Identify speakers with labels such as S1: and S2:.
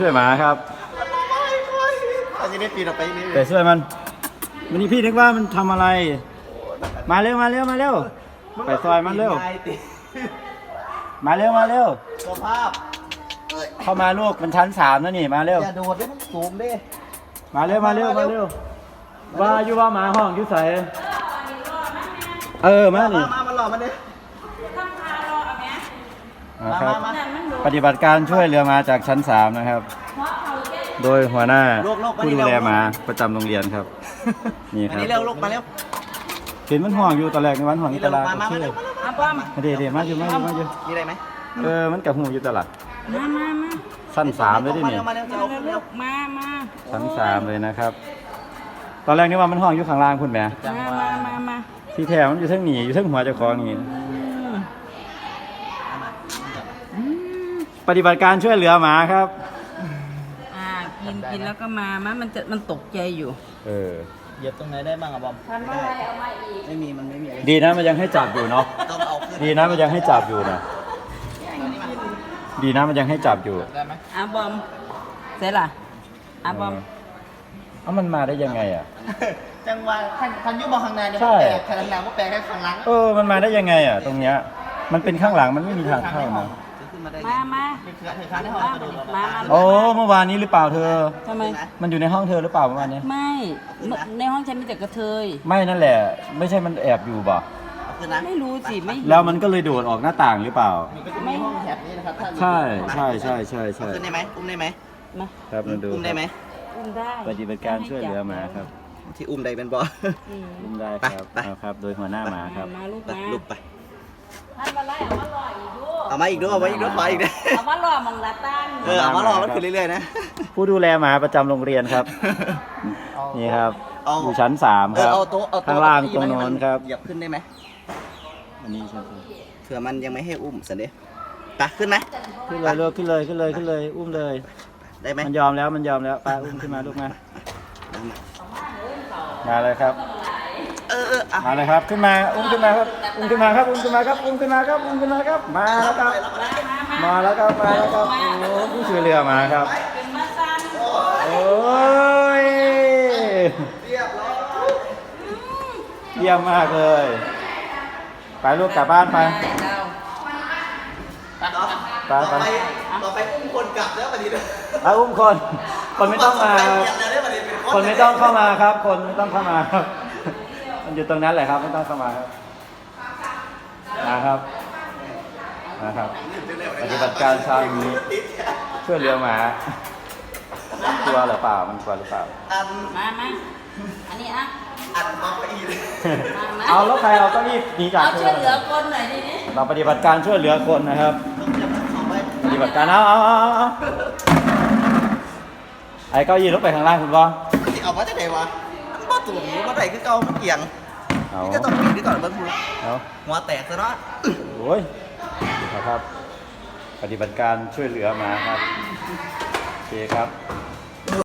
S1: ช่วยหมาครับ
S2: เราจะได้ปีนออกไปนี่
S1: แต่ช่วยมันวันนี้พี่นึกว่ามันทำอะไรมาเร็วมาเร็วมาเร็วไปซอยมันเร็วมาเร็วมาเร็ว
S2: สภาพ
S1: เข้ามาลูกมันชั้น3แล้วนี่มาเร็ว
S2: อย่าโดดได้มันสูงดิ
S1: มาเร็วมาเร็วมาเร็วว่าอยู่ว่าหมาห้องอยู่ใส่มานี่
S2: มาหล่อมันดิ
S1: นะครับปฏิบัติการช่วยเรือมาจากชั้น3นะครับโดยหัวหน้าผู้ดูแลหมาประจำโรงเรียนครับนี่ครับ
S2: นี่เร็วลูกมาเร็ว
S1: เห็นมันห่วงอยู่ตอนแรกในวันห่วงตลาด
S2: มา
S1: เชื่อเดี๋ยวมาอยู่
S2: มีอะไรไหม
S1: มันกับหูอยู่ตลาด
S3: มา
S1: ชั้น3เลยดินี่
S2: มาเร็วจะเอาขึ้นเร็ว
S3: มา
S1: ชั้น3เลยนะครับตอนแรกนึกว่ามันห่วงอยู่ข้างล่างคุณแม่
S3: มา
S1: ที่แท้มันอยู่ทั้งหนีอยู่ทั้งหัวเจ้าของนี่ปฏิบัติการช่วยเหลือหมาครับ
S3: กินแล้วก็มันตกใจอยู่
S2: เหยียบตรงไหนได้บ้างอะบอม
S3: ทำอะไรเอามาอีก
S2: ไม่มีมันไม่มีอะไร
S1: ดีนะมันยังให้จับอยู่เนาะ
S2: ต้องเอาขึ้น
S1: ดีนะมันยังให้จับอยู่นะดีนะมันยังให้จับอยู่
S2: ได้ไหม
S3: บอมเสร็จละบอม
S1: มันมาได้ยังไงอ่ะ
S2: จังหวะทันยุบมองข้างในเดี๋ยวแปลกข้างหน้าก็แปลกแค่ข้างหลัง
S1: มันมาได้ยังไงอ่ะตรงเนี้ยมันเป็นข้างหลังมันไม่มีทางเข้านะ
S3: มา
S1: เมื่อวานนี้หรือเปล่าเธอ
S3: ทำไม
S1: มันอยู่ในห้องเธอหรือเปล่าเมื่อวานนี้
S3: ไม่ในห้องฉันมีแต่กระเทย
S1: ไม่นั่นแหละไม่ใช่มันแอบอยู่บ่
S3: ไม่รู้สิไม่
S1: แล้วมันก็เลยโดดออกหน้าต่างหรือเปล่า
S2: ไม่ห้องแถบนี้นะครับ
S1: ใช่
S2: ขึ้นได้ไหมอุ้มได้ไหม
S1: ครับมันดู
S2: อุ้มได้ไหม
S3: อุ้มได้
S1: ปฏิบัติการช่วยเหลือหมาครับ
S2: ที่อุ้มได้เป็นบ่
S1: อุ้มได้ครับครับโดยหัวหน้าหมาครับ
S2: ลูกไป
S3: ท่านมาไล่เอามารออีกด้วย
S2: เอามาอีกด้วยขออีกด้วย
S3: เอามารอมองละตั้ง
S2: เอามารอมันขึ้นเรื่อยๆนะ
S1: ผู้ดูแลหมาประจำโรงเรียนครับนี่ครับอยู่ชั้น3ครับข้างล่างตรงโน้นครับ
S2: เหยียบขึ้นได้ไหม
S1: อันนี้ชั้น
S2: เผื่อมันยังไม่ให้อุ้มสันเดย์ไปขึ้นไหม
S1: ขึ้นเลยอุ้มเลย
S2: ได้ไหม
S1: มันยอมแล้วไปอุ้มขึ้นมาลูกมาเลยครับมาเลยครับขึ้นมาอุ้มขึ้นมาครับมาแล้วครับโอ้ผู้ช่วยเรือมาครับโอ้ยเยี่ยมมากเลยไปลูกกลับบ้านไป
S2: ต่อไปอุ้มคนกลับแล้วประเดี๋ยว
S1: อุ้มคนไม่ต้องมาคนไม่ต้องเข้ามาครับคนไม่ต้องเข้ามาครับมันอยู่ตรงนั้นแหละครับไม่ต้องเข้ามาครับนะครับปฏิบัติการเช้านี้ช่วยเหลือหมากลัวหรือเปล่ามันกลัวหรือเปล่า
S3: มาอันนี้
S2: อัดมาไปอีก
S1: เอาแล้วใครเอาเก้าอี้หนีจาก
S3: ช่วยเหลือคนหน่อยดิ
S1: เราปฏิบัติการช่วยเหลือคนนะครับปฏิบัติการเอาไอ้เก้าอี้ลงไปข้างล่างคุณว่า
S2: เอามาจากไหนวะมันบ้าตุ่มมันไหนคือเก่ามันเอียงนี่ก็ต้องปีนด้วยก่อนเบิ้งพูหัวแตกซะเนาะ
S1: โอ้ยครับปฏิบัติการช่วยเหลือมาครับโอเคครับ